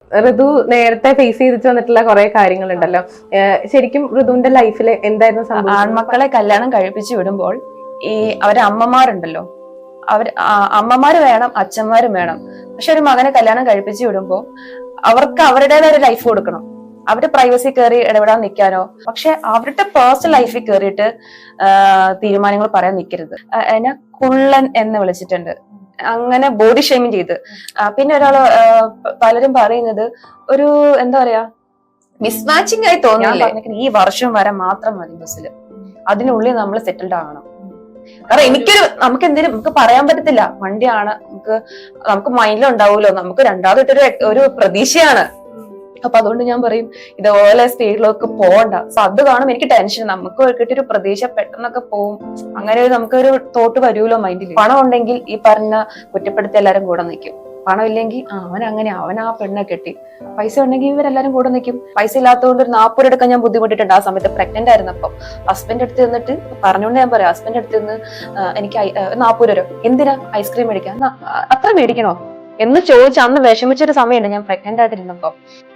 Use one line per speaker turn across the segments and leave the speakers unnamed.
ഋതു നേരത്തെ ഫേസ് ചെയ്തിട്ട് വന്നിട്ടുള്ള കുറെ കാര്യങ്ങളുണ്ടല്ലോ. ശരിക്കും ഋതുവിന്റെ ലൈഫിൽ എന്തായിരുന്നു സംഭവം?
ആൺമക്കളെ കല്യാണം കഴിപ്പിച്ചു വിടുമ്പോൾ ഈ അവരെ അമ്മമാരുണ്ടല്ലോ, അമ്മമാര് വേണം, അച്ഛന്മാരും വേണം. പക്ഷെ ഒരു മകനെ കല്യാണം കഴിപ്പിച്ചു വിടുമ്പോ അവർക്ക് അവരുടേതായ ഒരു ലൈഫ് കൊടുക്കണം. അവരുടെ പ്രൈവസി കയറി ഇടപെടാൻ നിൽക്കാനോ, പക്ഷെ അവരുടെ പേഴ്സണൽ ലൈഫിൽ കയറിയിട്ട് തീരുമാനങ്ങൾ പറയാൻ നിൽക്കരുത്. എന്നെ കുള്ളൻ എന്ന് വിളിച്ചിട്ടുണ്ട്, അങ്ങനെ ബോഡി ഷേമിങ് ചെയ്ത്. പിന്നെ ഒരാള് പലരും പറയുന്നത് ഒരു എന്താ പറയാ മിസ്മാച്ചിങ് ആയി തോന്നുന്നു. ഈ വർഷം വരെ മാത്രം മതി ബസ്സിൽ, അതിനുള്ളിൽ നമ്മൾ സെറ്റിൽഡ് ആകണം. കാരണം നമുക്ക് എന്തെങ്കിലും നമുക്ക് പറയാൻ പറ്റത്തില്ല. വണ്ടിയാണ്, നമുക്ക് മൈൻഡിലുണ്ടാവുമല്ലോ, നമുക്ക് രണ്ടാമതൊരു ഒരു പ്രതീക്ഷയാണ്. അപ്പൊ അതുകൊണ്ട് ഞാൻ പറയും ഇതുപോലെ സ്പീഡിലൊക്കെ പോകണ്ട. സോ അത് കാണും എനിക്ക് ടെൻഷൻ. നമുക്ക് കിട്ടിയൊരു പ്രതീക്ഷ പെട്ടെന്നൊക്കെ പോവും. അങ്ങനെ നമുക്കൊരു തോട്ട് വരുമല്ലോ മൈൻഡിൽ. പണം ഉണ്ടെങ്കിൽ ഈ പറഞ്ഞ കുറ്റപ്പെടുത്തി എല്ലാരും കൂടെ നിൽക്കും. പണം ഇല്ലെങ്കിൽ അവൻ ആ പെണ്ണെ കെട്ടി. പൈസ ഉണ്ടെങ്കിൽ ഇവരെല്ലാരും കൂടെ നിൽക്കും. പൈസ ഇല്ലാത്തതുകൊണ്ട് ഒരു 40 എടുക്കാൻ ഞാൻ ബുദ്ധിമുട്ടിട്ടുണ്ട്. ആ സമയത്ത് പ്രഗ്നന്റ് ആയിരുന്നപ്പോ ഹസ്ബൻഡ് അടുത്ത് നിന്നിട്ട് പറഞ്ഞുകൊണ്ട് ഞാൻ പറയാം, ഹസ്ബൻഡ് അടുത്ത് നിന്ന് എനിക്ക് 40 രൂപ എന്തിനാ ഐസ്ക്രീം മേടിക്കാൻ, അത്ര മേടിക്കണോ എന്ന് ചോദിച്ച് അന്ന് വിഷമിച്ചൊരു സമയമുണ്ട് ഞാൻ പ്രഗ്നന്റ് ആയിട്ടിരുന്നപ്പോ.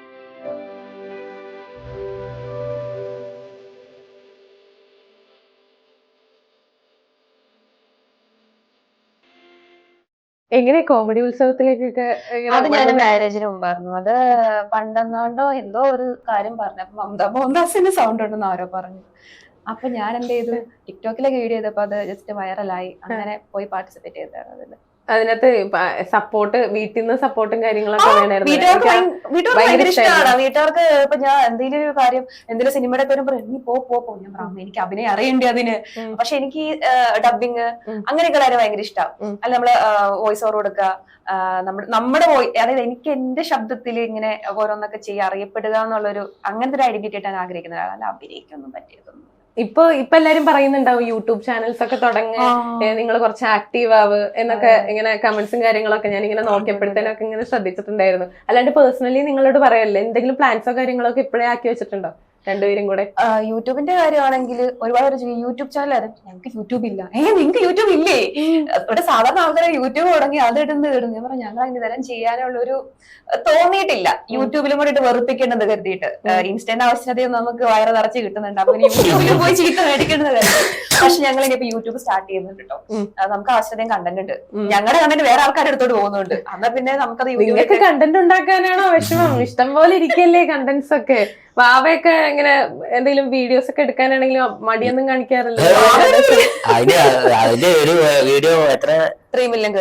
എങ്ങനെ കോമഡി ഉത്സവത്തിലേക്കൊക്കെ?
അത് ഞാൻ മാരേജിന് മുമ്പായിരുന്നു. അത് പണ്ടെന്നാണ്ടോ എന്തോ ഒരു കാര്യം പറഞ്ഞപ്പോ മമത മോഹൻദാസിന്റെ സൗണ്ട് ഉണ്ടെന്ന് ആരോ പറഞ്ഞു. അപ്പൊ ഞാൻ എന്ത് ചെയ്തു, ടിക്ടോക്കിലൊക്കെ വീഡിയോ ചെയ്തപ്പോ അത് ജസ്റ്റ് വൈറലായി. അങ്ങനെ പോയി പാർട്ടിസിപ്പേറ്റ് ചെയ്തതാണ് അതില്.
അതിനകത്ത് സപ്പോർട്ട്, വീട്ടിൽ നിന്ന് സപ്പോർട്ടും കാര്യങ്ങളൊക്കെ
വീട്ടുകാർക്ക് ഭയങ്കര ഇഷ്ടമാണ്. വീട്ടുകാർക്ക് ഇപ്പൊ ഞാൻ എന്തെങ്കിലും ഒരു കാര്യം, എന്തെങ്കിലും സിനിമയുടെ പേരും പറയും നീ പോ ഞാൻ പറഞ്ഞു എനിക്ക് അഭിനയം അറിയണ്ടേ അതിന്. പക്ഷെ എനിക്ക് ഡബിങ് അങ്ങനെയൊക്കെ കാര്യം ഭയങ്കര ഇഷ്ടമാണ്. അല്ല നമ്മള് വോയിസ് ഓവർ കൊടുക്കുക, നമ്മുടെ അതായത് എനിക്ക് എന്റെ ശബ്ദത്തിൽ ഇങ്ങനെ ഓരോന്നൊക്കെ ചെയ്യുക, അറിയപ്പെടുക എന്നുള്ളൊരു അങ്ങനത്തെ ഒരു ഐഡന്റിറ്റി ആയിട്ട് ഞാൻ ആഗ്രഹിക്കുന്ന ഒരാളല്ല. അഭിനയിക്കൊന്നും പറ്റിയതൊന്നും.
ഇപ്പൊ എല്ലാരും പറയുന്നുണ്ടാവും യൂട്യൂബ് ചാനൽസ് ഒക്കെ തുടങ്ങി, നിങ്ങൾ കുറച്ച് ആക്റ്റീവ് ആവ് എന്നൊക്കെ ഇങ്ങനെ കമന്റ്സും കാര്യങ്ങളൊക്കെ ഞാൻ ഇങ്ങനെ നോക്കിയപ്പോഴത്തേനൊക്കെ ഇങ്ങനെ ശ്രദ്ധിച്ചിട്ടുണ്ടായിരുന്നു. അല്ലാണ്ട് പേഴ്സണലി നിങ്ങളോട് പറയല്ലേ, എന്തെങ്കിലും പ്ലാൻസോ കാര്യങ്ങളൊക്കെ ഇപ്പോഴേ ആക്കി വെച്ചിട്ടുണ്ടോ രണ്ടുപേരും കൂടെ?
യൂട്യൂബിന്റെ കാര്യമാണെങ്കിൽ ഒരുപാട് യൂട്യൂബ് ചാനൽ ഞങ്ങൾക്ക് യൂട്യൂബ് ഇല്ല. നിങ്ങൾക്ക് യൂട്യൂബ് ഇല്ലേ? ഇവിടെ സാധാരണ ആൾക്കാരെ യൂട്യൂബ് തുടങ്ങി അത് ഇടുന്നു. ഞാൻ പറഞ്ഞു ഞങ്ങൾ അതിന് തരം ചെയ്യാനുള്ള ഒരു തോന്നിയിട്ടില്ല. യൂട്യൂബിലും കൂടെ വെറുപ്പിക്കേണ്ടത് കരുതിയിട്ട്. ഇൻസ്റ്റന്റ് ആവശ്യകതയും നമുക്ക് വയറ് നിറച്ച് കിട്ടുന്നുണ്ട്. അപ്പൊ യൂട്യൂബിൽ പോയി ചീത്ത മേടിക്കേണ്ടത് കരുതി. പക്ഷെ ഞങ്ങൾ ഇനിയിപ്പോ യൂട്യൂബ് സ്റ്റാർട്ട് ചെയ്യുന്നുണ്ട് കേട്ടോ. നമുക്ക് ആവശ്യതയും കണ്ടന്റ് ഉണ്ട്. ഞങ്ങളുടെ കണ്ടന്റ് വേറെ ആൾക്കാരുടെ അടുത്തോട്ട് പോകുന്നുണ്ട്. എന്നാ പിന്നെ നമുക്കത്
യൂട്യൂബിലേക്ക് കണ്ടന്റ് ഉണ്ടാക്കാനാണോ വിഷമം? ഇഷ്ടം പോലെ ഇരിക്കല്ലേ കണ്ടന്റ്സ് ഒക്കെ. വാവയൊക്കെ ഇങ്ങനെ എന്തെങ്കിലും വീഡിയോസ് ഒക്കെ എടുക്കാനാണെങ്കിലും മടിയൊന്നും കാണിക്കാറില്ല.
അതിന്റെ ഒരു വീഡിയോ എത്ര
3 മില്യൺ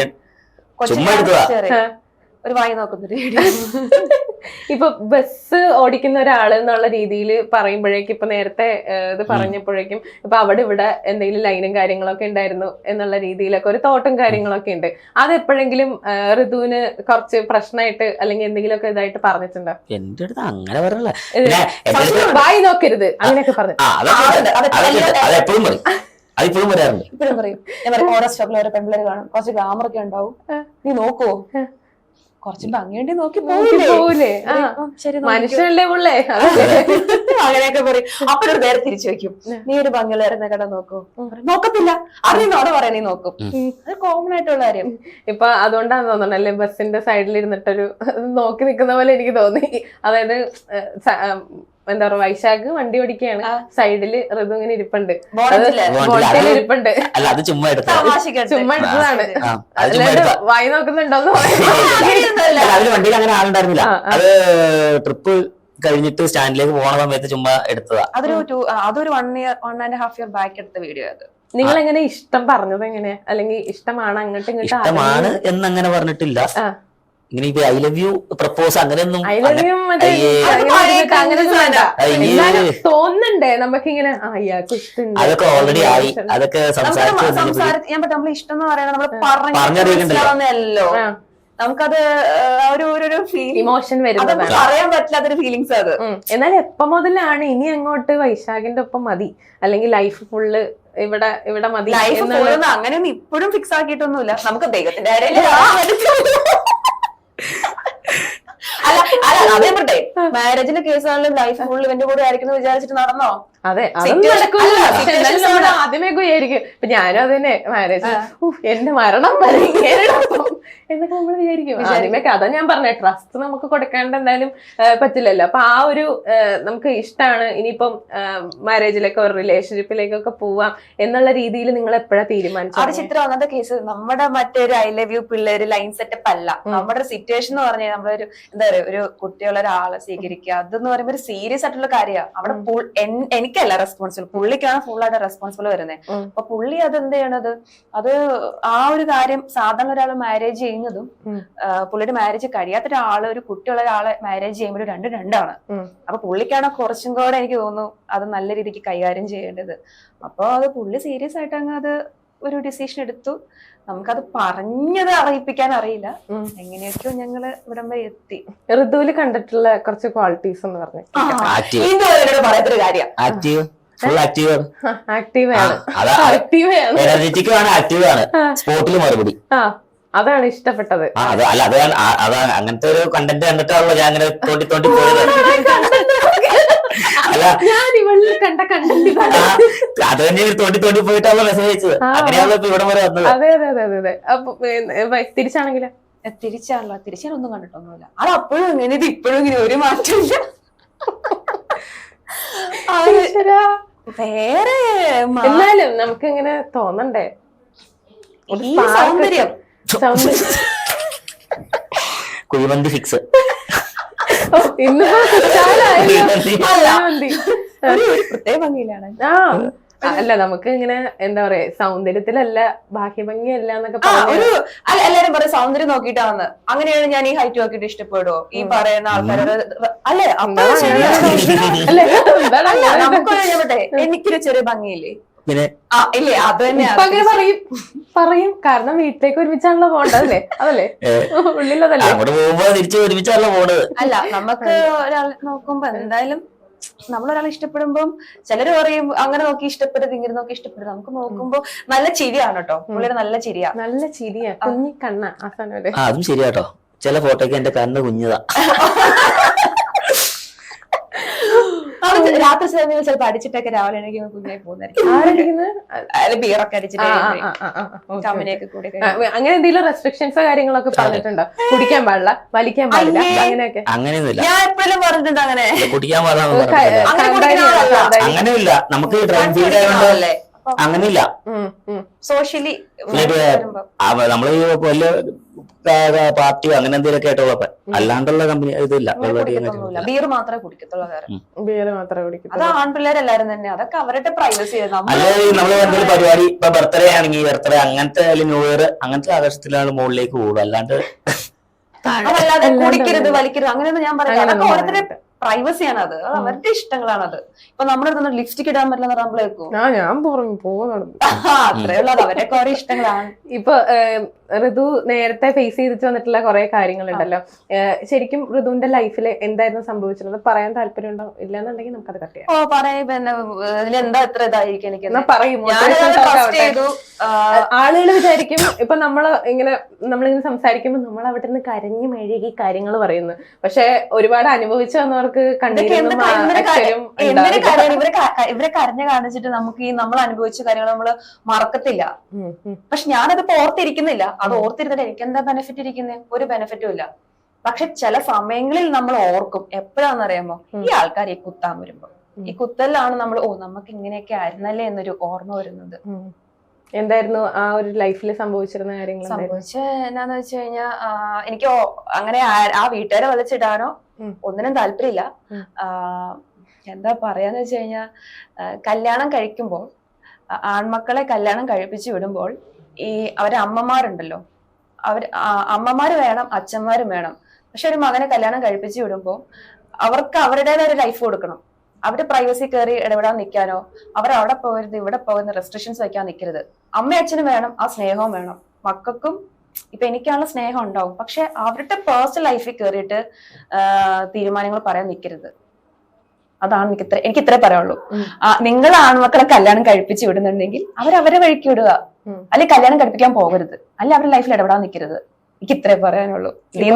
ഒരു വായി നോക്കുന്നൊരു വീഡിയോ.
ഇപ്പൊ ബസ് ഓടിക്കുന്ന ഒരാള് എന്നുള്ള രീതിയിൽ പറയുമ്പോഴേക്കും, ഇപ്പൊ നേരത്തെ ഇത് പറഞ്ഞപ്പോഴേക്കും ഇപ്പൊ അവിടെ ഇവിടെ എന്തെങ്കിലും ലൈനും കാര്യങ്ങളൊക്കെ ഉണ്ടായിരുന്നു എന്നുള്ള രീതിയിലൊക്കെ ഒരു തോട്ടും കാര്യങ്ങളൊക്കെ ഉണ്ട്. അത് എപ്പോഴെങ്കിലും ഋതുവിന് കുറച്ച് പ്രശ്നമായിട്ട് അല്ലെങ്കിൽ എന്തെങ്കിലുമൊക്കെ ഇതായിട്ട് പറഞ്ഞിട്ടുണ്ടോ?
എന്റെ അടുത്ത് അങ്ങനെ പറഞ്ഞില്ല,
വായി നോക്കരുത് അങ്ങനെയൊക്കെ പറഞ്ഞു.
എപ്പോഴും പറയും, അതിപ്പോഴും പറയാറുണ്ട്.
ഇപ്പോഴും പറയും. ഞാൻ പറയും ഓരോ സ്റ്റോപ്പിൽ ഓരോ പെൺപിള്ളേർ കാണും, കുറച്ച് ഗ്ലാമർ ഒക്കെ ഉണ്ടാവും, നീ നോക്കുവോ, കുറച്ച് ഭംഗിയുണ്ടി നോക്കി പോകൂലേ,
മനുഷ്യനല്ലേ ഉള്ളേ,
അങ്ങനെയൊക്കെ പറയും. അപ്പൊ ഒരു നേരെ തിരിച്ചു വെക്കും, നീ ഒരു ഭംഗിയുള്ളവരുന്ന കട നോക്കൂ, നോക്കത്തില്ല അറിയുന്നോടെ പറയാൻ നീ നോക്കും. അത് കോമൺ ആയിട്ടുള്ള കാര്യം.
ഇപ്പൊ അതുകൊണ്ടാന്ന് തോന്നുന്നു അല്ലെ ബസ്സിന്റെ സൈഡിൽ ഇരുന്നിട്ടൊരു നോക്കി നിൽക്കുന്ന പോലെ എനിക്ക് തോന്നി. അതായത് എന്താ പറയാ, വൈശാഖ് വണ്ടി ഓടിക്കുകയാണ്, സൈഡില് ഋതു ഇങ്ങനെ ഇരിപ്പുണ്ട്, ഇരിപ്പുണ്ട്.
ചുമ്മാ
എടുത്തതാണ്, വായി നോക്കുന്നുണ്ടോന്ന്
വണ്ടിയിൽ അങ്ങനെ ആളുണ്ടായിരുന്നില്ല. അത് ട്രിപ്പ് കഴിഞ്ഞിട്ട് സ്റ്റാൻഡിലേക്ക് പോണ സമയത്ത് ചുമ്മാ എടുത്തതാ.
അതൊരു 1.5 ഇയർ ബാക്ക് എടുത്ത വീഡിയോ. അത്
നിങ്ങൾ എങ്ങനെ ഇഷ്ടം പറഞ്ഞത് എങ്ങനെയാ, അല്ലെങ്കിൽ ഇഷ്ടമാണ് അങ്ങോട്ടും ഇങ്ങോട്ടും?
ഇഷ്ടമാണ് എന്നങ്ങനെ പറഞ്ഞിട്ടില്ല. ഇങ്ങനെ ഇപ്പൊ ഐ ലവ് യു പ്രപ്പോസ് അങ്ങനെയൊന്നും
തോന്നുന്നുണ്ടേ നമുക്കിങ്ങനെ
അതൊക്കെ ഓൾറെഡി ആയി. അതൊക്കെ
നമ്മൾ ഇഷ്ടം എന്ന് പറയുന്നത് നമ്മൾ പറഞ്ഞല്ലോ, നമുക്കത് ഒരു
ഇമോഷൻ വരുന്നത്
പറയാൻ പറ്റില്ലാത്തൊരു ഫീലിങ്സ് അത്.
എന്നാൽ എപ്പോ മുതലാണ് ഇനി അങ്ങോട്ട് വൈശാഖിന്റെ ഒപ്പം മതി, അല്ലെങ്കിൽ ലൈഫ് ഫുള്ള് ഇവിടെ മതി?
അങ്ങനെയൊന്നും ഇപ്പോഴും ഫിക്സ് ആക്കിയിട്ടൊന്നുമില്ല. നമുക്ക് ദൈവത്തിന്റെ അല്ല അതേ പറട്ടെ, മാരേജിന്റെ കേസാണെങ്കിലും ലൈഫ് ഫുള്ള് ഇവന്റെ കൂടെ ആയിരിക്കും വിചാരിച്ചിട്ട് നടന്നോ?
അതെ, അതൊന്നും നടക്കൂല. പക്ഷെ എന്നാലും നമ്മൾ ആദ്യമേ വിചാരിക്കും. ഇപ്പൊ ഞാനും അത് തന്നെ മാരേജ് എന്റെ മരണം വരെ എന്നൊക്കെ നമ്മൾ വിചാരിക്കും ആദ്യമേ. അതാ ഞാൻ പറഞ്ഞ ട്രസ്റ്റ് നമുക്ക് കൊടുക്കാണ്ട് എന്തായാലും പറ്റില്ലല്ലോ. അപ്പൊ ആ ഒരു നമുക്ക് ഇഷ്ടമാണ് ഇനിയിപ്പം മാരേജിലേക്കോ റിലേഷൻഷിപ്പിലേക്കൊക്കെ പോവാം എന്നുള്ള രീതിയിൽ നിങ്ങൾ എപ്പോഴാ തീരുമാനിച്ചത്?
ചിത്രം ഒന്നാമത്തെ കേസ് നമ്മുടെ മറ്റൊരു ഐ ലവ് യു പിള്ളേര് ലൈൻ സെറ്റപ്പ് അല്ല. നമ്മുടെ ഒരു സിറ്റുവേഷൻ എന്ന് പറഞ്ഞാൽ നമ്മളൊരു എന്താ പറയുക, ഒരു കുട്ടിയുള്ള ഒരാളെ സ്വീകരിക്കുക അതെന്ന് പറയുമ്പോൾ ഒരു സീരിയസ് ആയിട്ടുള്ള കാര്യമാണ്. അവിടെ എനിക്കല്ല റെസ്പോൺസിബിൾ, പുള്ളിക്കാണ് ഫുൾ ആയിട്ട് റെസ്പോൺസിബിൾ വരുന്നത്. അപ്പൊ പുള്ളി അത് എന്ത് ചെയ്യണത്, അത് ആ ഒരു കാര്യം സാധാരണ ഒരാൾ മാരേജ് ചെയ്യുന്നതും പുള്ളിയുടെ മാരേജ് കഴിയാത്ത ഒരാള് ഒരു കുട്ടിയുള്ള ഒരാളെ മാരേജ് ചെയ്യുമ്പോൾ രണ്ടാണ്. അപ്പൊ പുള്ളിക്കാണ് കുറച്ചും കൂടെ എനിക്ക് തോന്നുന്നു അത് നല്ല രീതിക്ക് കൈകാര്യം ചെയ്യേണ്ടത്. അപ്പൊ അത് പുള്ളി സീരിയസ് ആയിട്ട് അങ്ങ് അത് ഒരു ഡിസിഷൻ എടുത്തു. നമുക്കത് പറഞ്ഞത് അറിയിപ്പിക്കാൻ അറിയില്ല. എങ്ങനെയൊക്കെയോ ഞങ്ങള് ഇവിടം വരെ എത്തി.
ഋതുവില് കണ്ടിട്ടുള്ള കുറച്ച് ക്വാളിറ്റീസ് എന്ന് പറഞ്ഞു
പറയാത്തൊരു കാര്യം,
അതാണ് ഇഷ്ടപ്പെട്ടത്.
അങ്ങനത്തെ ഒരു കണ്ടന്റ് കണ്ടിട്ടാണല്ലോ ഞാൻ അങ്ങനെ തോണ്ടി തോണ്ടി പോയത്.
ഞാൻ ഇവളിൽ കണ്ട കണ്ടന്റ്
അത് തന്നെ തോണ്ടി തോണ്ടി പോയിട്ടാണല്ലോ മെസ്സേജ് അയച്ചത്. അങ്ങനെയാണല്ലോ ഇപ്പൊ ഇവിടെ വരെ വന്നത്.
അതെ അതെ അതെ അതെ. അപ്പൊ തിരിച്ചാണെങ്കിലോ?
തിരിച്ചാണൊന്നും കണ്ടിട്ടൊന്നുമില്ല. അത് അപ്പോഴും ഇങ്ങനെ, ഇത് ഇപ്പോഴും ഇങ്ങനെ, ഒരു മാറ്റമില്ല. വേറെ
എന്നാലും നമുക്ക് ഇങ്ങനെ തോന്നണ്ടേ
ഈ സൗന്ദര്യം
കുഴിമന്തി ഫിക്സ്.
പ്രത്യേക ഭംഗിയിലാണ്.
അല്ല നമുക്ക് ഇങ്ങനെ എന്താ പറയാ, സൗന്ദര്യത്തിലല്ല ബാഹ്യഭംഗിയല്ല എന്നൊക്കെ
എല്ലാരും പറയും സൗന്ദര്യം നോക്കിയിട്ടാണ്. അങ്ങനെയാണ് ഞാൻ ഈ ഹൈറ്റ് നോക്കിയിട്ട് ഇഷ്ടപ്പെടുവോ ഈ പറയുന്ന ആൾക്കാരോട്? അല്ലെ നമുക്കൊരു എനിക്കൊരു ചെറിയ ഭംഗിയില്ലേ? ഇല്ലേ, അത് തന്നെ
പറയും. കാരണം വീട്ടിലേക്ക് ഒരുമിച്ചാണല്ലോ പോണ്ടല്ലേ, അതല്ലേ ഉള്ളിലതല്ലേ.
അല്ല, നമുക്ക് ഒരാൾ നോക്കുമ്പോ എന്തായാലും നമ്മളൊരാളെ ഇഷ്ടപ്പെടുമ്പം ചിലര് പറയും അങ്ങനെ നോക്കി ഇഷ്ടപ്പെടരുത്, ഇങ്ങനെ നോക്കി ഇഷ്ടപ്പെടരുത്. നമുക്ക് നോക്കുമ്പോ നല്ല ചിരിയാണ് കേട്ടോ, പുള്ളിയുടെ നല്ല ചിരിയാ.
നല്ല ചിരിയാ, കുഞ്ഞി കണ്ണ.
അതും ശരിയാട്ടോ. ചില ഫോട്ടോക്ക് എന്റെ കണ്ണ് കുഞ്ഞതാ.
രാത്രി സമയം ചിലപ്പോ അടിച്ചിട്ടൊക്കെ രാവിലെ എനിക്ക് കുഞ്ഞായി പോകുന്നതായിരിക്കും. ബിയറൊക്കെ അടിച്ചിട്ട് കമ്പനിയൊക്കെ കൂടി.
അങ്ങനെ എന്തെങ്കിലും റെസ്ട്രിക്ഷൻസോ കാര്യങ്ങളൊക്കെ പറഞ്ഞിട്ടുണ്ടോ? കുടിക്കാൻ പാടില്ല, വലിക്കാൻ പാടില്ല, അങ്ങനെയൊക്കെ?
അങ്ങനെയൊന്നുമില്ല.
ഞാൻ എപ്പോഴും പറഞ്ഞിട്ടുണ്ട് അങ്ങനെ
കുടിക്കാൻ പാടില്ല. അങ്ങനെയില്ല. നമുക്ക് അല്ലേ അങ്ങനെയില്ല.
സോഷ്യലി
നമ്മള് വലിയ പാർട്ടിയോ അങ്ങനെ എന്തെങ്കിലുമൊക്കെ ആയിട്ടുള്ളപ്പോ അല്ലാണ്ടുള്ള കമ്പനി ഇതില്ല.
ബിയർ മാത്രമേ കുടിക്കത്തുള്ളൂ.
ബിയർ മാത്രമേ കുടിക്കത്തുള്ളൂ.
അത് ആൺപിള്ളേരെല്ലാരും തന്നെ, അതൊക്കെ അവരുടെ പ്രൈവസി.
അല്ലാതെ നമ്മള് എന്തെങ്കിലും പരിപാടി, ഇപ്പൊ ബർത്ത്ഡേ ആണെങ്കിൽ ബർത്ത്ഡേ അങ്ങനത്തെ അല്ലെങ്കിൽ ന്യൂ ഇയർ അങ്ങനത്തെ ആഘോഷത്തിലാണ് മുകളിലേക്ക് കൂടും. അല്ലാണ്ട്
കുടിക്കരുത്, വലിക്കരുത് അങ്ങനെയൊന്നും ഞാൻ പറയാം. അതൊക്കെ ഓരോരുത്തരുടെ പ്രൈവസിയാണ്. അത് അവരുടെ ഇഷ്ടങ്ങളാണത്. ഇപ്പൊ നമ്മുടെ ലിപ്സ്റ്റിക് ഇടാൻ പറ്റില്ല നമ്മളേക്കും.
ഞാൻ പോകുന്നുണ്ട്.
അത്രയുള്ള അവരുടെ ഓരോ ഇഷ്ടങ്ങളാണ്.
ഇപ്പൊ ഋതു നേരത്തെ ഫേസ് ചെയ്തിട്ട് വന്നിട്ടുള്ള കുറെ കാര്യങ്ങളുണ്ടല്ലോ. ശരിക്കും ഋതുവിന്റെ ലൈഫിൽ എന്തായിരുന്നു സംഭവിച്ചിരുന്നത് പറയാൻ താല്പര്യം ഉണ്ടോ? ഇല്ലാന്നുണ്ടെങ്കിൽ നമുക്കത് കട്ട് ചെയ്യാം.
എന്താ എത്ര ഇതായിരിക്കും എനിക്ക്
ആളുകൾ വിചാരിക്കും ഇപ്പൊ നമ്മളിങ്ങനെ സംസാരിക്കുമ്പോൾ നമ്മൾ അവിടെ നിന്ന് കരഞ്ഞു മെഴുകി കാര്യങ്ങൾ പറയുന്നു. പക്ഷെ ഒരുപാട് അനുഭവിച്ചു വന്നവർക്ക്
ഇവരെ കരഞ്ഞു കാണിച്ചിട്ട് നമുക്ക് ഈ നമ്മൾ അനുഭവിച്ച കാര്യങ്ങൾ നമ്മള് മറക്കത്തില്ല. പക്ഷെ ഞാനത് ഓർത്തിരിക്കുന്നില്ല. അത് ഓർത്തിരുന്നിട്ട് എനിക്ക് എന്താ ബെനിഫിറ്റ് ഇരിക്കുന്നത്? ഒരു ബെനിഫിറ്റും ഇല്ല. പക്ഷെ ചില സമയങ്ങളിൽ നമ്മൾ ഓർക്കും. എപ്പോഴാണെന്നറിയാമോ? ഈ ആൾക്കാർ ഈ കുത്താൻ വരുമ്പോ, ഈ കുത്തലാണ് നമ്മൾ നമുക്ക് ഇങ്ങനെയൊക്കെ ആയിരുന്നല്ലേ എന്നൊരു ഓർമ്മ വരുന്നത്.
എന്തായിരുന്നു ആ ഒരു ലൈഫിൽ സംഭവിച്ചിരുന്ന കാര്യങ്ങൾ?
എന്നാന്ന് വെച്ച് കഴിഞ്ഞാൽ എനിക്ക് അങ്ങനെ ആ വീട്ടുകാരെ വലിച്ചിടാനോ ഒന്നിനും താല്പര്യമില്ല. എന്താ പറയാന്ന് വെച്ച് കഴിഞ്ഞാൽ കല്യാണം കഴിക്കുമ്പോൾ, ആൺമക്കളെ കല്യാണം കഴിപ്പിച്ചു വിടുമ്പോൾ ഈ അവരെ അമ്മമാരുണ്ടല്ലോ, അമ്മമാര് വേണം, അച്ഛന്മാരും വേണം. പക്ഷെ ഒരു മകനെ കല്യാണം കഴിപ്പിച്ചു വിടുമ്പോൾ അവർക്ക് അവരുടേതായ ഒരു ലൈഫ് കൊടുക്കണം. അവരുടെ പ്രൈവസി കയറി ഇടപെടാൻ നിൽക്കാനോ അവരവിടെ പോകരുത് ഇവിടെ പോകുന്ന റെസ്ട്രിക്ഷൻസ് വയ്ക്കാൻ നിൽക്കരുത്. അമ്മയും അച്ഛനും വേണം, ആ സ്നേഹവും വേണം. മക്കൾക്കും ഇപ്പൊ എനിക്കാണുള്ള സ്നേഹം ഉണ്ടാവും. പക്ഷെ അവരുടെ പേഴ്സണൽ ലൈഫിൽ കയറിയിട്ട് തീരുമാനങ്ങൾ പറയാൻ നിൽക്കരുത്. അതാണ് എനിക്ക് ഇത്രേ പറയാനുള്ളൂ. നിങ്ങൾ ആൺമക്കളെ കല്യാണം കഴിപ്പിച്ച് വിടുന്നുണ്ടെങ്കിൽ അവരവരെ വഴിക്ക് വിടുക, അല്ലെങ്കിൽ കല്യാണം കഴിപ്പിക്കാൻ പോകരുത്, അല്ലെങ്കിൽ അവരുടെ ലൈഫിൽ ഇടപെടാൻ നിൽക്കരുത്. എനിക്ക് ഇത്രേ പറയാനുള്ളൂ.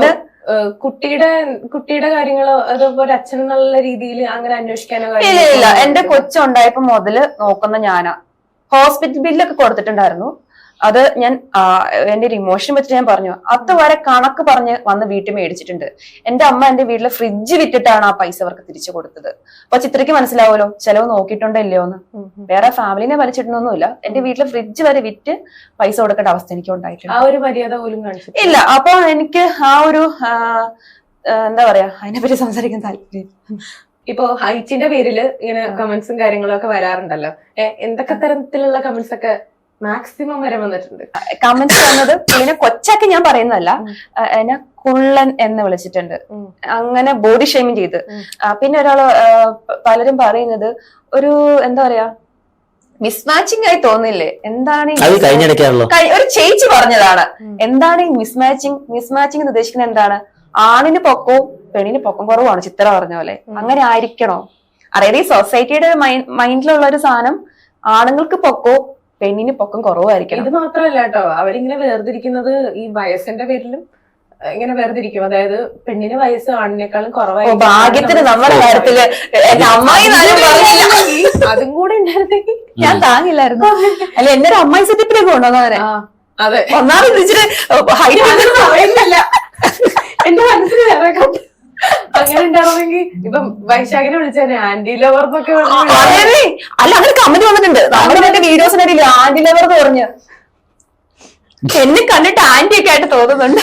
കുട്ടിയുടെ കാര്യങ്ങളോ അതുപോലെ അച്ഛൻ എന്നുള്ള രീതിയിൽ അങ്ങനെ അന്വേഷിക്കാനോ
ഇല്ല എന്റെ കൊച്ചുണ്ടായപ്പോ മുതല് നോക്കുന്ന ഞാനാ. ഹോസ്പിറ്റൽ ബില്ലൊക്കെ കൊടുത്തിട്ടുണ്ടായിരുന്നു. അത് ഞാൻ എന്റെ ഒരു ഇമോഷൻ വെച്ചിട്ട് ഞാൻ പറഞ്ഞു, അതുവരെ കണക്ക് പറഞ്ഞ് വന്ന് വീട്ടിൽ മേടിച്ചിട്ടുണ്ട്. എന്റെ അമ്മ എന്റെ വീട്ടിലെ ഫ്രിഡ്ജ് വിറ്റിട്ടാണ് ആ പൈസ അവർക്ക് തിരിച്ചു കൊടുത്തത്. അപ്പൊ ചിത്രയ്ക്ക് മനസ്സിലാവുമല്ലോ ചെലവ് നോക്കിയിട്ടുണ്ടോ ഇല്ലയോ എന്ന്. വേറെ ഫാമിലിനെ വലിച്ചിട്ടൊന്നുമില്ല, എന്റെ വീട്ടിലെ ഫ്രിഡ്ജ് വരെ വിറ്റ് പൈസ കൊടുക്കേണ്ട അവസ്ഥ എനിക്ക് ഉണ്ടായിട്ടുണ്ട്.
ആ ഒരു മര്യാദ പോലും കാണിച്ചു
ഇല്ല. അപ്പൊ എനിക്ക് ആ ഒരു എന്താ പറയാ അതിനെപ്പറ്റി സംസാരിക്കാൻ താല്പര്യം.
ഇപ്പൊ ഹൈറ്റിന്റെ പേരില് ഇങ്ങനെ കമന്റ്സും കാര്യങ്ങളും ഒക്കെ വരാറുണ്ടല്ലോ. എന്തൊക്കെ തരത്തിലുള്ള കമന്റ്സ് ഒക്കെ മാക്സിമം വരെ വന്നിട്ടുണ്ട്?
കമന്റ്സ് വന്നത് പുള്ളിനെ കൊച്ചാക്കി ഞാൻ പറയുന്നതല്ല, എന്നെ കുള്ളൻ എന്ന് വിളിച്ചിട്ടുണ്ട്, അങ്ങനെ ബോഡി ഷേമിങ് ചെയ്ത്. പിന്നെ ഒരാള് പലരും പറയുന്നത് ഒരു എന്താ പറയാ മിസ്മാച്ചിങ് ആയി തോന്നില്ലേ, എന്താണ് ഒരു ചേച്ചി പറഞ്ഞതാണ്, എന്താണ് ഈ മിസ്മാച്ചിങ് എന്ന് ഉദ്ദേശിക്കുന്നത് എന്താണ്? ആണിന് പൊക്കവും പെണ്ണിന് പൊക്കം കുറവാണ് ചിത്ര പറഞ്ഞ പോലെ, അങ്ങനെ ആയിരിക്കണോ? അതായത് ഈ സൊസൈറ്റിയുടെ മൈൻഡിലുള്ള ഒരു സാധനം ആണുങ്ങൾക്ക് പൊക്കവും പെണ്ണിന് പൊക്കം കുറവായിരിക്കണം.
ഇത് മാത്രമല്ല കേട്ടോ, അവരിങ്ങനെ വേർതിരിക്കുന്നത് ഈ വയസ്സിന്റെ പേരിലും ഇങ്ങനെ വേർതിരിക്കും. അതായത് പെണ്ണിന് വയസ്സ് ആണിനേക്കാളും കുറവായിരിക്കും.
ഭാഗ്യത്തിന് നമ്മുടെ കാര്യത്തില്
അതും കൂടെ ഉണ്ടായിരുന്നെങ്കിൽ
ഞാൻ താങ്ങില്ലായിരുന്നു. അല്ല എന്റെ ഒരു അമ്മായി സെറ്റപ്പിലേക്ക് കൊണ്ടുവന്നവരെ.
അതെ,
ഒന്നാമത് ഇച്ചിരി
പറയുന്നില്ല, എന്റെ മനസ്സിൽ വേറെ അങ്ങനെ ഉണ്ടാവുമെങ്കിൽ ഇപ്പം വൈശാഖിനെ വിളിച്ചേ ആന്റി ലവർ എന്നൊക്കെ
അല്ല അങ്ങനെ കമന്റ് വന്നിട്ടുണ്ട് നമ്മുടെ മറ്റേ വീഡിയോസിനിടയിൽ ആന്റി ലവർ എന്ന് പറഞ്ഞു. എന്നെ കണ്ടിട്ട് ആന്റി ഒക്കെ ആയിട്ട് തോന്നുന്നുണ്ട്.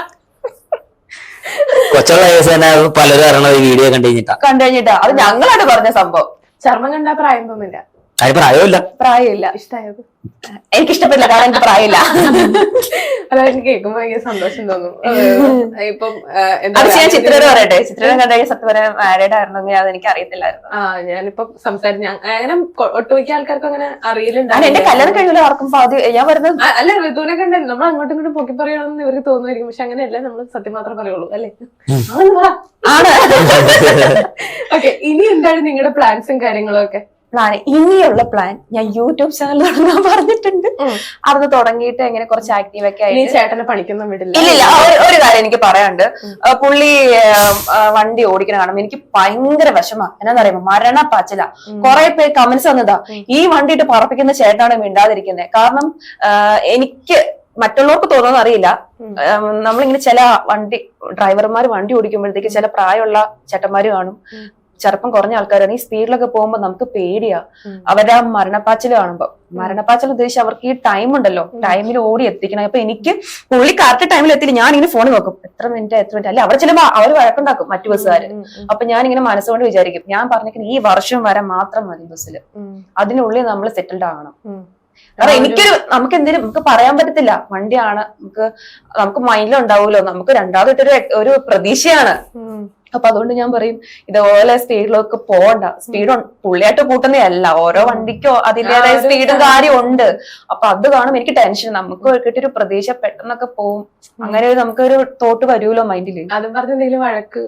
കൊച്ചുള്ള പലരും വീഡിയോ കണ്ടു കഴിഞ്ഞിട്ടാ
അത് ഞങ്ങളാണ് പറഞ്ഞ സംഭവം.
ചർമ്മം കണ്ടാ പ്രായം തോന്നില്ല.
പ്രായമില്ല.
ഇഷ്ടായത്
എനിക്ക് ഇഷ്ടപ്പെട്ടില്ല, കാരണം എനിക്ക് പ്രായമില്ല.
അതായത് കേൾക്കുമ്പോ ഭയങ്കര സന്തോഷം തോന്നും. ഇപ്പം
ഞാൻ ചിത്രയോട് പറയട്ടെ, ചിത്രം കണ്ടു സത്യം പറയാൻ മാരീഡ് ആയിരുന്നെങ്കിൽ അത് എനിക്ക് അറിയത്തില്ലായിരുന്നു.
ഞാനിപ്പോ സംസാരിച്ച അങ്ങനെ ഒട്ടുമിക്ക ആൾക്കാർക്കും അങ്ങനെ അറിയില്ലുണ്ട്.
എന്റെ കല്യാണം കഴിയില്ല ആർക്കും ഞാൻ പറയുന്നത്.
അല്ല, ഋതുവിനെ കണ്ടല്ലോ നമ്മൾ അങ്ങോട്ടും ഇങ്ങോട്ടും പൊക്കി പറയണമെന്ന് ഇവർക്ക് തോന്നുമായിരിക്കും, പക്ഷെ അങ്ങനെയല്ല, നമ്മൾ സത്യം മാത്രമേ പറയുള്ളൂ അല്ലേ?
ആണ്.
ഓക്കെ, ഇനി എന്താണ് നിങ്ങളുടെ പ്ലാൻസും കാര്യങ്ങളും ഒക്കെ?
ഇനിയുള്ള പ്ലാൻ, ഞാൻ യൂട്യൂബ് ചാനൽ തുടങ്ങാൻ പറഞ്ഞിട്ടുണ്ട്. അത് തുടങ്ങിയിട്ട് എങ്ങനെ കുറച്ച് ആക്റ്റീവ് ഒക്കെ ആയി.
ചേട്ടനെ പണിക്കൊന്നും വിടില്ല?
ഇല്ല. ഒരു കാര്യം എനിക്ക് പറയാനുണ്ട്. പുള്ളി വണ്ടി ഓടിക്കണ കാണുമ്പോ എനിക്ക് ഭയങ്കര വിഷമാ. എന്നാന്ന് പറയുമ്പോ മരണപ്പാച്ചില. കുറെ പേര് കമന്റ്സ് വന്നതാ, ഈ വണ്ടിയിട്ട് പറപ്പിക്കുന്ന ചേട്ടനാണ് മിണ്ടാതിരിക്കുന്നത്. കാരണം എനിക്ക് മറ്റുള്ളവർക്ക് തോന്നുന്ന അറിയില്ല, നമ്മളിങ്ങനെ ചില ഡ്രൈവർമാർ വണ്ടി ഓടിക്കുമ്പോഴത്തേക്ക് ചില പ്രായമുള്ള ചേട്ടന്മാര് കാണും, ചെറുപ്പം കുറഞ്ഞ ആൾക്കാരാണ്. ഈ സ്പീഡിലൊക്കെ പോകുമ്പോ നമുക്ക് പേടിയാ അവരുടെ ആ മരണപ്പാച്ചിൽ കാണുമ്പോ. മരണപ്പാച്ചിൽ ഉദ്ദേശിച്ച് അവർക്ക് ഈ ടൈം ഉണ്ടല്ലോ, ടൈമിൽ ഓടി എത്തിക്കണം. അപ്പൊ എനിക്ക് പുള്ളി കറക്റ്റ് ടൈമിൽ എത്തിയില്ല, ഞാൻ ഇങ്ങനെ ഫോണിൽ നോക്കും എത്ര മിനിറ്റ് അല്ലെ അവിടെ ചിലപ്പോ അവർ വഴക്കുണ്ടാക്കും മറ്റു ബസ്സുകാര്. അപ്പൊ ഞാൻ ഇങ്ങനെ മനസ്സുകൊണ്ട് വിചാരിക്കും, ഞാൻ പറഞ്ഞിരിക്കുന്നത് ഈ വർഷം വരെ മാത്രം മതി ബസ്സിൽ, അതിനുള്ളിൽ നമ്മൾ സെറ്റിൽഡ് ആകണം. കാരണം നമുക്ക് എന്തെങ്കിലും നമുക്ക് പറയാൻ പറ്റത്തില്ല, വണ്ടിയാണ്, നമുക്ക് മൈൻഡിലുണ്ടാവുമല്ലോ, നമുക്ക് രണ്ടാമതൊരു ഒരു പ്രതീക്ഷയാണ്. അപ്പൊ അതുകൊണ്ട് ഞാൻ പറയും, ഇതുപോലെ സ്പീഡിലൊക്കെ പോകണ്ട. സ്പീഡ് പുള്ളിയായിട്ട് കൂട്ടുന്നേ അല്ല, ഓരോ വണ്ടിക്കോ അതിന്റേതായ സ്പീഡും കാര്യം ഉണ്ട്. അപ്പൊ അത് കാണും എനിക്ക് ടെൻഷൻ. നമുക്ക് കിട്ടിയൊരു പ്രതീക്ഷ പെട്ടെന്നൊക്കെ പോവും, അങ്ങനെ നമുക്കൊരു തോട്ട് വരുമല്ലോ മൈൻഡില്.
അതും പറഞ്ഞ എന്തെങ്കിലും വഴക്ക്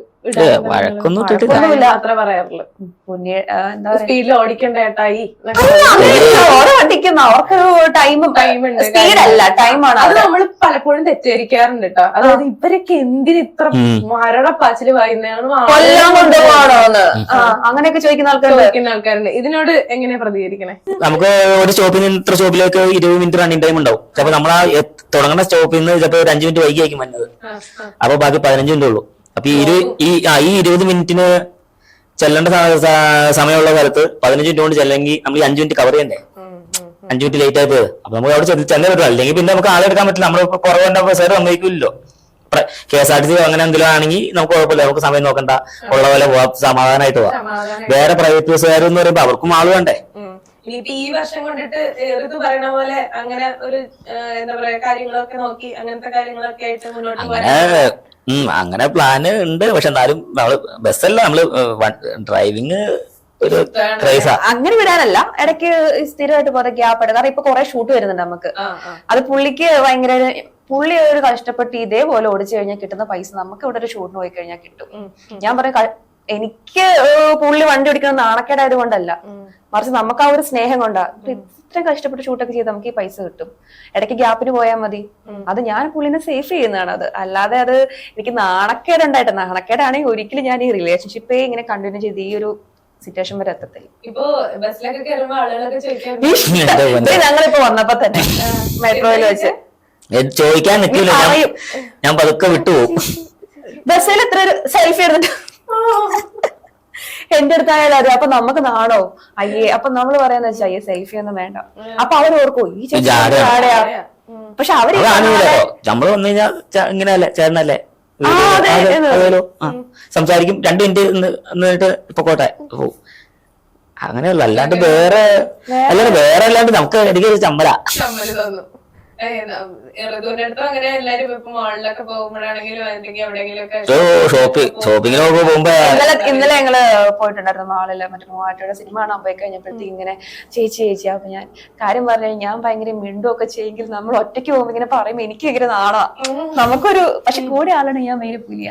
മാത്രമേ പറയാറുള്ളൂ.
സ്പീഡിൽ ഓടിക്കണ്ട ഏട്ടായി,
ഓരോ വണ്ടിക്കും അവർക്കൊരു ടൈമുണ്ട്, സ്പീഡല്ല ടൈമാണ്.
അത് നമ്മൾ പലപ്പോഴും തെറ്റിദ്ധരിക്കാറുണ്ട് കേട്ടോ. അതായത് ഇവരൊക്കെ എന്തിന് ഇത്ര മരണപ്പാച്ചില് വായുന്നതാണ്,
കൊല്ലം കൊണ്ടുപോകണോന്ന് അങ്ങനെയൊക്കെ ചോദിക്കുന്ന
ആൾക്കാരുണ്ട്. ഇതിനോട് എങ്ങനെയാ പ്രതികരിക്കണേ?
നമുക്ക് ഒരു സ്റ്റോപ്പിൽ നിന്ന് ഇത്ര സ്റ്റോപ്പിലേക്ക് 20 മിനിറ്റ് റണ്ണിങ് ടൈം ഉണ്ടാവും. ചിലപ്പോ നമ്മൾ ആ തുടങ്ങുന്ന സ്റ്റോപ്പിൽ നിന്ന് ചിലപ്പോ ഒരു 5 മിനിറ്റ് വൈകിയായിരിക്കും വന്നത്, അപ്പൊ ബാക്കി 15 മിനിറ്റ് ഉള്ളൂ. അപ്പൊ ഈ 20 മിനിറ്റിന് ചെല്ലേണ്ട സമയമുള്ള സ്ഥലത്ത് 15 മിനിറ്റ് കൊണ്ട് ചെല്ലെങ്കിൽ നമ്മൾ ഈ 5 മിനിറ്റ് കവർ ചെയ്യണ്ടേ? 5 മിനിറ്റ് ലേറ്റ് ആയി പോയത്. അപ്പൊ നമുക്ക് അവിടെ ചെന്നേ പറ്റില്ല, അല്ലെങ്കിൽ പിന്നെ നമുക്ക് ആളെടുക്കാൻ പറ്റില്ല. നമ്മൾ കുറവുണ്ടാകുമ്പോൾ സാർ സമ്മതിക്കില്ലല്ലോ. KSRTC അങ്ങനെ എന്തെങ്കിലും ആണെങ്കിൽ നമുക്ക് കുഴപ്പമില്ല, നമുക്ക് സമയം നോക്കണ്ട, ഉള്ള പോലെ പോവാം, സമാധാനമായിട്ട് പോവാം. വേറെ പ്രൈവറ്റ് ബസ്സുകാരെന്ന് പറയുമ്പോ അവർക്കും ആള് വേണ്ടേ?
ഈ വർഷം കൊണ്ടിട്ട് ഋതു പറയണ പോലെ അങ്ങനെ ഒരു എന്താ പറയാ കാര്യങ്ങളൊക്കെ നോക്കി അങ്ങനത്തെ കാര്യങ്ങളൊക്കെ ആയിട്ട് മുന്നോട്ട് പോകാൻ
അങ്ങനെ പ്ലാന് ഉണ്ട്. പക്ഷെ എന്നാലും നമ്മള് ബസ്സല്ല, നമ്മള് ഡ്രൈവിങ് ഒരു ക്രൈസാ.
അങ്ങനെ വിടാനല്ല, ഇടയ്ക്ക് സ്ഥിരമായിട്ട് പോലെ ഗ്യാപ്പ് എടുക്കും. കാരണം ഇപ്പൊ കുറെ ഷൂട്ട് വരുന്നുണ്ട് നമുക്ക്. അത് പുള്ളിക്ക് ഭയങ്കര, പുള്ളി ഒരു കഷ്ടപ്പെട്ട് ഇതേപോലെ ഓടിച്ചു കഴിഞ്ഞാൽ കിട്ടുന്ന പൈസ നമുക്ക് ഇവിടെ ഒരു ഷൂട്ടിന് പോയി കഴിഞ്ഞാൽ കിട്ടും. ഞാൻ പറയും എനിക്ക് പുള്ളി വണ്ടി ഓടിക്കുന്നത് നാണക്കേടായത് കൊണ്ടല്ല, മറിച്ച് നമുക്ക് ആ ഒരു സ്നേഹം കൊണ്ടാ. ഇത്രയും കഷ്ടപ്പെട്ട് ഷൂട്ടൊക്കെ ചെയ്ത് നമുക്ക് ഈ പൈസ കിട്ടും, ഇടയ്ക്ക് ഗ്യാപ്പിന് പോയാൽ മതി. അത് ഞാൻ പുള്ളിനെ സേഫ് ചെയ്യുന്നതാണ്. അത് അല്ലാതെ അത് എനിക്ക് നാണക്കേടുണ്ടായിട്ട്, നാണക്കേടാണെങ്കിൽ ഒരിക്കലും ഞാൻ ഈ റിലേഷൻഷിപ്പേ ഇങ്ങനെ കണ്ടിന്യൂ ചെയ്ത് ഈ ഒരു സിറ്റുവേഷൻ വരെ എത്തത്തില്ല.
ഇപ്പൊ ബസ്സിലൊക്കെ കയറുമ്പോ ആളുകളൊക്കെ ചോദിക്കാൻ
ഞങ്ങളിപ്പോ വന്നപ്പോ തന്നെ മെട്രോയിൽ വെച്ച്
ചോദിക്കാൻ നിൽക്കില്ല, ഞാൻ പതുക്കെ വിട്ടുപോകും.
ബസ്സിൽ എത്ര സെൽഫി എടുത്തിട്ട് എന്റെ അടുത്തായാലും അതെ. അപ്പൊ നമുക്ക് നാണോ അയ്യേ, അപ്പൊ നമ്മള് പറയാന്ന് വെച്ചാൽ അയ്യേ സെൽഫി ഒന്നും വേണ്ട. അപ്പൊ അവർ ഓർക്കും ഈ ചേച്ചിയാ. പക്ഷെ അവര്
നമ്മള് വന്നു കഴിഞ്ഞാൽ ഇങ്ങനെയല്ലേ ചേട്ടനല്ലേ സംസാരിക്കും, 2 മിനിറ്റ് നിന്നിട്ട് ഇപ്പൊ കോട്ടെ പോവും. അങ്ങനെയല്ല, അല്ലാണ്ട് വേറെ അല്ലാണ്ട് നമുക്ക് എനിക്ക് ചമ്മല
തോന്നും. അങ്ങനെ എല്ലാരും ഇപ്പൊ മാളിലൊക്കെ പോകുമ്പോഴാണെങ്കിലും അല്ലെങ്കിൽ എവിടെയെങ്കിലും
ഷോപ്പിങ്ങിനൊക്കെ പോകുമ്പോ
ഇന്നലെ ഞങ്ങള് പോയിട്ടുണ്ടായിരുന്നു മാളില്, മറ്റേ മൂവാറ്റയുടെ സിനിമ കാണാൻ പോയി കഴിഞ്ഞപ്പോഴത്തേക്ക് ഇങ്ങനെ ചേച്ചി അപ്പൊ ഞാൻ കാര്യം പറഞ്ഞു, ഞാൻ ഭയങ്കര മിണ്ടുമൊക്കെ ചെയ്യെങ്കിൽ നമ്മൾ ഒറ്റയ്ക്ക് പോകുമ്പോ ഇങ്ങനെ പറയുമ്പോ എനിക്ക് ഭയങ്കര നാണാ. നമുക്കൊരു പക്ഷെ കൂടെ ആളാണ് ഞാൻ മെയിൻ പുലിയ.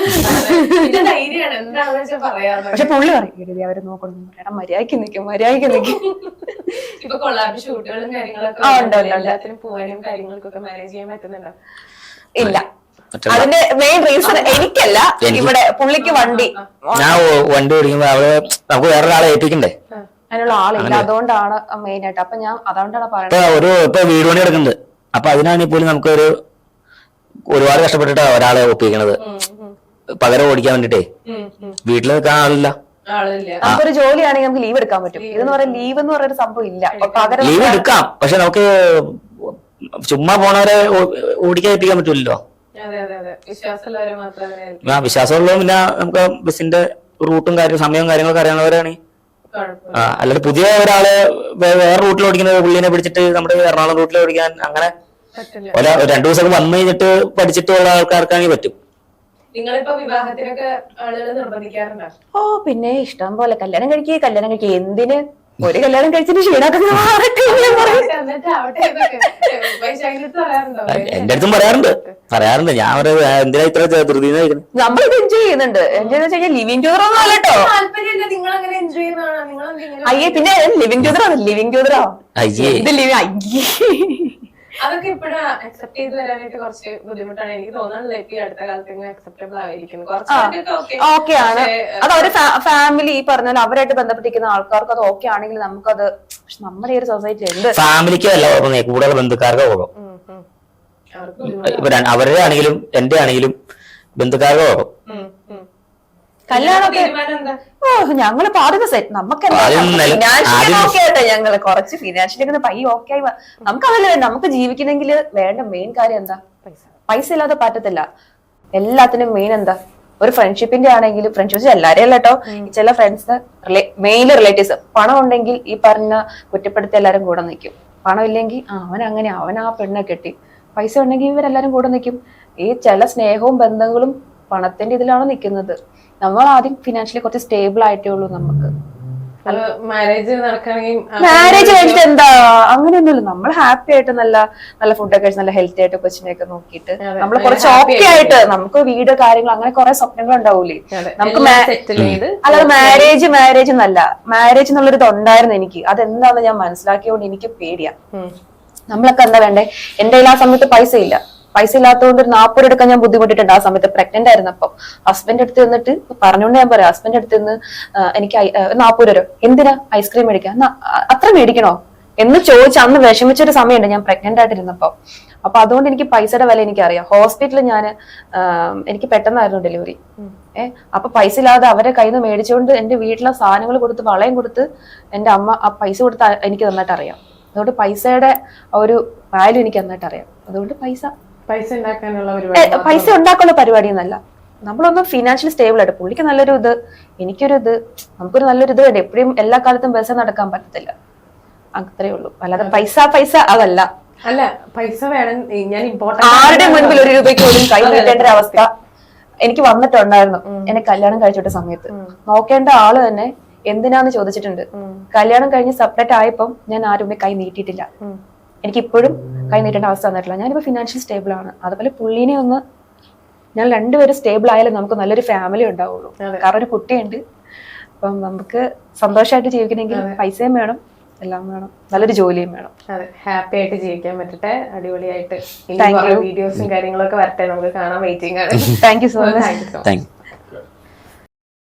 പക്ഷെ പുള്ളി പറയും അവര് നോക്കണം, എടാ മര്യാദക്ക് നിൽക്കും.
ഇപ്പൊ കൊള്ളാബ് ഷൂട്ടുകളും കാര്യങ്ങളൊക്കെ പോകാനും കാര്യങ്ങൾക്കൊക്കെ മാനേജ് ചെയ്യാൻ പറ്റുന്നുണ്ടോ?
ഇല്ല, അതിന്റെ മെയിൻ റീസൺ എനിക്കല്ല, ഇവിടെ പുള്ളിക്ക് വണ്ടി
ഓടിക്കുമ്പോ അവള് നമുക്ക് വേറൊരാളെ ഏൽപ്പിക്കണ്ടേ,
അതിനുള്ള ആളില്ല. അതുകൊണ്ടാണ് മെയിൻ ആയിട്ട്. അപ്പൊ ഞാൻ അതുകൊണ്ടാണ് പറയുന്നത്,
ഇപ്പൊ വീട് പണി എടുക്കുന്നുണ്ട്. അപ്പൊ അതിനാണെങ്കിൽ പോലും നമുക്ക് ഒരുപാട് കഷ്ടപ്പെട്ടിട്ടാ ഒരാളെ ഒപ്പിക്കണത്, പകരം ഓടിക്കാൻ വേണ്ടിട്ടേ. വീട്ടിൽ നിൽക്കാൻ ആളില്ല.
നമുക്കൊരു ജോലിയാണെങ്കിൽ നമുക്ക് ലീവ് എടുക്കാൻ പറ്റും. ഇതെന്ന് പറയാൻ ലീവ് എന്ന് പറയുന്ന സംഭവം ഇല്ല.
ലീവ് എടുക്കാം, പക്ഷെ നമുക്ക് ചുമ്മാ പോണവരെ ഓടിക്കാൻ പറ്റൂലല്ലോ. വിശ്വാസമുള്ളതും പിന്നെ നമുക്ക് ബസിന്റെ റൂട്ടും സമയവും കാര്യങ്ങളൊക്കെ അറിയാവുന്നവരാണ്. അല്ലാതെ പുതിയ ഒരാള് വേറെ റൂട്ടിൽ ഓടിക്കുന്നത് പുള്ളിനെ പിടിച്ചിട്ട് നമ്മുടെ എറണാകുളം റൂട്ടിൽ ഓടിക്കാൻ അങ്ങനെ 2 ദിവസം വന്നു കഴിഞ്ഞിട്ട് പഠിച്ചിട്ടുള്ള ആൾക്കാർക്കാണെങ്കിൽ പറ്റും.
നിങ്ങളിപ്പോ വിവാഹത്തിനൊക്കെ ആളുകൾ നിർബന്ധിക്കാറുണ്ടോ?
ഓ പിന്നെ ഇഷ്ടം പോലെ കല്യാണം കഴിക്കുക. എന്തിന് ഒരു കല്യാണം കഴിച്ചിട്ട് ക്ഷീണാക്കുന്ന
എന്റെ അടുത്തും പറയാറുണ്ട്. ഞാൻ എന്തിനാ ഇത്ര ധൃതി
നമ്മളിത് എൻജോയ് ചെയ്യുന്നുണ്ട്. എൻജോയ് എന്ന് വെച്ചാൽ ലിവിങ് ടൂതർ ഒന്നും അല്ലട്ടോ. അയ്യേ പിന്നെ ലിവിങ് ടൂതറോ ഇത്
അതൊക്കെ ഇപ്പോഴും അക്സെപ്റ്റ് ചെയ്ത് വരാനായിട്ട് കുറച്ച് ബുദ്ധിമുട്ടാണ്. എനിക്ക് തോന്നുന്നത് ഈ അടുത്ത കാലത്ത് അക്സെപ്റ്റബിൾ ആയിരിക്കുന്നു.
ഓക്കെ ആണ്. അത് അവര് ഫാമിലി ഈ പറഞ്ഞാൽ അവരായിട്ട് ബന്ധപ്പെട്ടിരിക്കുന്ന ആൾക്കാർക്ക് അത് ഓക്കെ ആണെങ്കിൽ നമുക്കത്, നമ്മുടെ ഈ ഒരു സൊസൈറ്റി ഉണ്ട്.
ഫാമിലിക്ക് അല്ല കൂടുതൽ ബന്ധുക്കാർക്ക് പോകും. അവരുടെ ആണെങ്കിലും എന്റെ ആണെങ്കിലും ബന്ധുക്കാർക്ക് പോകും.
കല്യാണമൊക്കെ ഞങ്ങള് പാടുന്ന സെറ്റ് നമുക്ക് ഞങ്ങള് കുറച്ച് ഫിനാൻഷ്യലി പൈ ഓക്കെ ആയി. നമുക്ക് അതല്ല വേണ്ട, നമുക്ക് ജീവിക്കണമെങ്കിൽ വേണ്ട മെയിൻ കാര്യം എന്താ? പൈസ ഇല്ലാതെ പറ്റത്തില്ല. എല്ലാത്തിനും മെയിൻ എന്താ? ഒരു ഫ്രണ്ട്ഷിപ്പിന്റെ ആണെങ്കിലും, ഫ്രണ്ട്ഷിപ്സ് എല്ലാരെയും അല്ല കേട്ടോ, ചില ഫ്രണ്ട്സ് മെയിൻ റിലേറ്റീവ്സ് പണം ഉണ്ടെങ്കിൽ ഈ പറഞ്ഞ കുറ്റപ്പെടുത്തി എല്ലാരും കൂടെ നിൽക്കും. പണം ഇല്ലെങ്കിൽ അവൻ ആ പെണ്ണെ കെട്ടി. പൈസ ഉണ്ടെങ്കിൽ ഇവരെല്ലാരും കൂടെ നിൽക്കും. ഈ ചില സ്നേഹവും ബന്ധങ്ങളും പണത്തിന്റെ ഇതിലാണ് നിൽക്കുന്നത്. നമ്മൾ ആദ്യം ഫിനാൻഷ്യലി കുറച്ച് സ്റ്റേബിൾ ആയിട്ടേ ഉള്ളൂ. നമുക്ക് മാരേജ് കഴിഞ്ഞിട്ട് എന്താ അങ്ങനെയൊന്നുമില്ല. നമ്മൾ ഹാപ്പി ആയിട്ട് നല്ല നല്ല ഫുഡൊക്കെ കഴിച്ച് നല്ല ഹെൽത്തി ആയിട്ട് കൊച്ചിനെയൊക്കെ നോക്കിയിട്ട് നമ്മൾ കുറച്ച് ഓക്കെ ആയിട്ട് നമുക്ക് വീട് കാര്യങ്ങൾ അങ്ങനെ കുറെ സ്വപ്നങ്ങൾ ഉണ്ടാവൂലേ നമുക്ക്. അല്ലാതെ മാരേജ് എന്നല്ല, മാരേജ് എന്നുള്ളൊരു ഇതുണ്ടായിരുന്നു എനിക്ക്. അതെന്താന്ന് ഞാൻ മനസ്സിലാക്കിയോണ്ട് എനിക്ക് പേടിയാ. നമ്മളൊക്കെ എന്താ വേണ്ടേ? എന്റെ കയ്യിൽ ആ സമയത്ത് പൈസ ഇല്ലാത്തതുകൊണ്ട് ഒരു 40 രൂപ എടുക്കാൻ ഞാൻ ബുദ്ധിമുട്ടിട്ടുണ്ട്. ആ സമയത്ത് പ്രഗ്നന്റ് ആയിരുന്നപ്പം ഹസ്ബൻഡ് അടുത്ത് നിന്നിട്ട് പറഞ്ഞുകൊണ്ട് ഞാൻ പറയാം, ഹസ്ബൻഡ് അടുത്ത് നിന്ന് എനിക്ക് 40 രൂപ എന്തിനാ ഐസ്ക്രീം മേടിക്കാൻ, അത്ര മേടിക്കണോ എന്ന് ചോദിച്ച് അന്ന് വിഷമിച്ചൊരു സമയമുണ്ട് ഞാൻ പ്രഗ്നന്റ് ആയിട്ടിരുന്നപ്പോ. അപ്പൊ അതുകൊണ്ട് എനിക്ക് പൈസയുടെ വില എനിക്കറിയാം. ഹോസ്പിറ്റലിൽ എനിക്ക് പെട്ടെന്നായിരുന്നു ഡെലിവറി. അപ്പൊ പൈസ ഇല്ലാതെ അവരെ കയ്യിൽ നിന്ന് മേടിച്ചുകൊണ്ട് എന്റെ വീട്ടിലെ സാധനങ്ങൾ കൊടുത്ത് വളയും കൊടുത്ത് എന്റെ അമ്മ ആ പൈസ കൊടുത്ത് എനിക്ക് നന്നായിട്ട് അറിയാം. അതുകൊണ്ട് പൈസയുടെ ഒരു വാല്യൂ എനിക്ക് നന്നായിട്ട് അറിയാം. അതുകൊണ്ട് പൈസ ഉണ്ടാക്കാനുള്ള പരിപാടി എന്നല്ല, നമ്മളൊന്നും ഫിനാൻഷ്യലി സ്റ്റേബിൾ ആയിട്ട്. പുള്ളിക്ക് നല്ലൊരു ഇത്, എനിക്കൊരു ഇത്, നമുക്കൊരു നല്ലൊരു ഇത് വേണ്ട. എപ്പോഴും എല്ലാ കാലത്തും ബസ് നടക്കാൻ പറ്റത്തില്ല. അത്രേ ഉള്ളൂ. അല്ലാതെ പൈസ അതല്ല.
അല്ല പൈസ വേണം. ഞാൻ
ആരുടെ മുൻപിൽ 1 രൂപയ്ക്ക് പോലും കൈ നീട്ടേണ്ട ഒരു അവസ്ഥ എനിക്ക് വന്നിട്ടുണ്ടായിരുന്നു. എന്നെ കല്യാണം കഴിച്ചിട്ട സമയത്ത് നോക്കേണ്ട ആള് തന്നെ എന്തിനാന്ന് ചോദിച്ചിട്ടുണ്ട്. കല്യാണം കഴിഞ്ഞ് സെപ്പറേറ്റ് ആയപ്പം ഞാൻ ആരും കൈ നീട്ടിയിട്ടില്ല. എനിക്ക് ഇപ്പോഴും കൈ നീട്ടേണ്ട അവസ്ഥ വന്നിട്ടില്ല. ഞാനിപ്പോ ഫിനാൻഷ്യൽ സ്റ്റേബിൾ ആണ്. അതുപോലെ പുള്ളീനെ ഒന്ന് ഞാൻ രണ്ടുപേരും സ്റ്റേബിൾ ആയാലും നമുക്ക് നല്ലൊരു ഫാമിലി ഉണ്ടാവുള്ളൂ. കാരണം ഒരു കുട്ടിയുണ്ട്. അപ്പം നമുക്ക് സന്തോഷമായിട്ട് ജീവിക്കണമെങ്കിൽ പൈസയും വേണം, എല്ലാം വേണം, നല്ലൊരു ജോലിയും വേണം.
അതെ, ഹാപ്പി ആയിട്ട് ജീവിക്കാൻ പറ്റട്ടെ, അടിപൊളിയായിട്ട് വീഡിയോസും കാര്യങ്ങളൊക്കെ വരട്ടെ, നമുക്ക് കാണാൻ വെയിറ്റിംഗ് ആണ്.
Thank you so much.
Thank U.